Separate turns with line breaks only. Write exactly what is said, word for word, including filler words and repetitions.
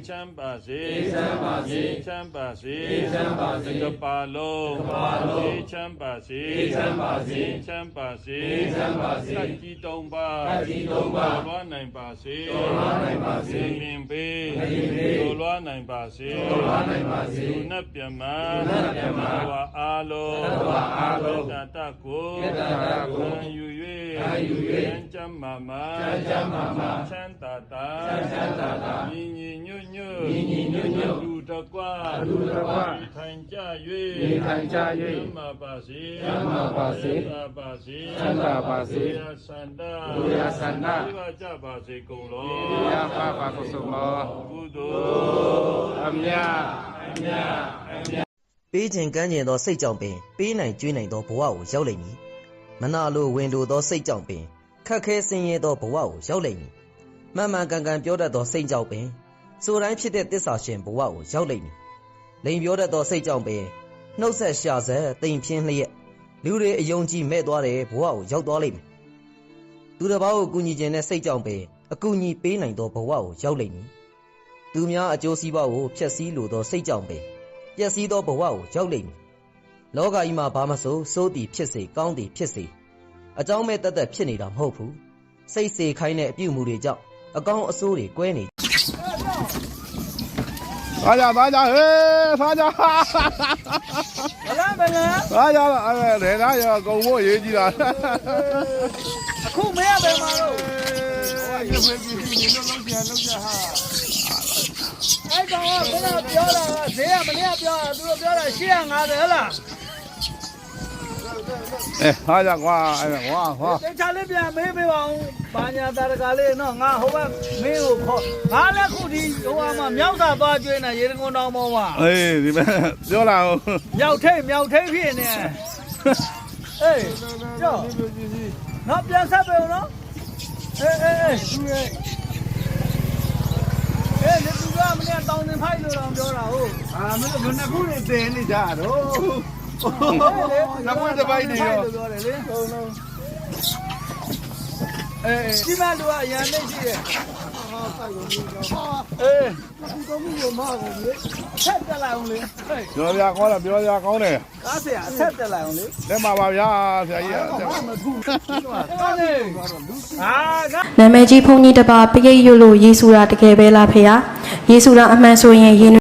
ချမ်းပါစေအေးချမ်းပါစေအေးချမ်းပါစေအေးချမ်းပါစေကပါလုံးကပါလုံးအေးချမ်းပါစေအေးချမ်းပါစေအေးချမ်းပါစေအေးချမ်းပါစေတကြီးသုံးပါတကြီးသုံးပါလွားနိုင်ပါစေလွားနိုင်ပါစေလင်ပေးလင်ပေးလွားနိုင်ပါစေလွားနိုင်ပါစေနတ်ပြမနတ်ပြမဝါအားလုံးဝါအားလုံးတတကိုတတကိုခံယူ၍ခံယူ၍ချမ်းမာမာချမ်းမာမာချမ်းသာသာချမ်းသာသာညီညီညွတ်ညွတ်ညီညီညွတ်ညွတ်လူတကွာလူတကွာထိုင်ကြ၍ထိုင်ကြ၍ချမ်းမာပါစေချမ်းမာပါစေချမ်းသာပါစေချမ်းသာပါစေဘုရားဆန္ဒဘုရားဆန္ဒဘုရားကြပါစေကုန်လောဘုရားပါပါကုသိုလ်မောကုသိုလ်အမြတ်အမြတ်အမြတ်
ပေးခြင်းကမ်းခြင်းသောစိတ်ကြောင့်ပင်ပေးနိုင်ကျွေးနိုင်သောဘဝကိုရောက်လိမ့်မည်မနာလိုဝင်လိုသောစိတ်ကြောင့်ပင်ခက်ခဲဆင်းရဲသောဘဝကိုရောက်လိမ့်မည်မှန်မှန်ကန်ကန်ပြောတတ်သောစိတ်ကြောင့်ပင်ဆိုတိုင်းဖြစ်တဲ့တစ္ဆာရှင်ဘဝကိုရောက်လိမ့်မည်လိန်ပြောတတ်သောစိတ်ကြောင့်ပင်နှုတ်ဆက်ရှာဆက်တိမ်ဖြင်းလျက်လူတွေအယုံကြည်မဲ့သွားတဲ့ဘဝကိုရောက်သွားလိမ့်မယ်သူတစ်ပါးကိုကူညီခြင်းနဲ့စိတ်ကြောင့်ပင်အကူအညီပေးနိုင်သောဘဝကိုရောက်လိမ့်မည်သူများအကျိုးစီးပွားကိုဖျက်ဆီးလိုသောစိတ်ကြောင့်ပင်ပျက်စီးသောဘဝကိုရောက်လိမ့်မည်လောကကြီးမှာဘာမဆိုစိုးသည်ဖြစ်စေကောင်းသည်ဖြစ်စေအကြောင်းမဲ့တတ်တတ်ဖြစ်နေတာမဟုတ်ဘူးစိတ်စေခိုင်းတဲ့အပြုအမူတွေကြောင့်အကောင်းအဆိုးတွေကွဲနေ
သားကြသားကြဟေးသားကြ
ဘလားဘလား
သားကြအဲ့ဒါသားရကုံဖို့ရေးကြည့်တာ
အခုမရပဲမှာတော့
ဟိုကရေပြေးပြေးလုံးလုံးပြန်လုံးကြဟာ
အဲ့ကောင်ကဘယ်တော့ပြောတာဈေးကမနေ့ကပြောတာသူတို့ပြောတာရှစ်၅၀ဟဲ့လား
အဲဟာကြကွာအဲ့ကွာဟော
တေချာလေးပြန်မေးပေးပါဦးဘာညာတာတကားလေးနော်ငါဟိုဘက်မင်းကိုခေါ်ငါလည်းခုဒီဟိုမှာမြောက်သာသွားကျွေးနေရေတကုန်းတောင်ပေါ်မှာ
အေးဒီမဲ့ပြောလာဦး
မြောက်ထိတ်မြောက်ထိတ်ဖြစ်နေအေးကြောနော်ပြန်ဆက်ပေးဦးနော်အေးအေးအေးသူရဲ့အေးဒီကမနေ့တောင်းနေဖိုက်လို့တော့ပြောတာဟုတ်
အာမင်းတို့နှစ်ခုနေတင်နေကြတော့နှစ်ခုတစ်ပိုင်းနေရော
ပြောတယ်လေဟုတ်လုံးအေးဒီမှာလူကအရန်သိရှိတယ်ဟာစိုက်လို့ပြောအေးဒီကောမှုကိုမအောင်လေဆက်တက်လိုက်အောင်လေ
ပြောပြကောင်းလားပြောပြကောင်းတယ်
ကားဆရာအဆက်တက်လိုက်အောင်လေ
လက်မှာပါဗျာဆရာကြီးက
မထူးကားနေဟာ
နာမည်ကြီးဘုန်းကြီးတစ်ပါးပရိတ်ရွတ်လို့ယေရှုတာတကယ်ပဲလားဖေဟာယေရှုတာအမှန်ဆိုရင်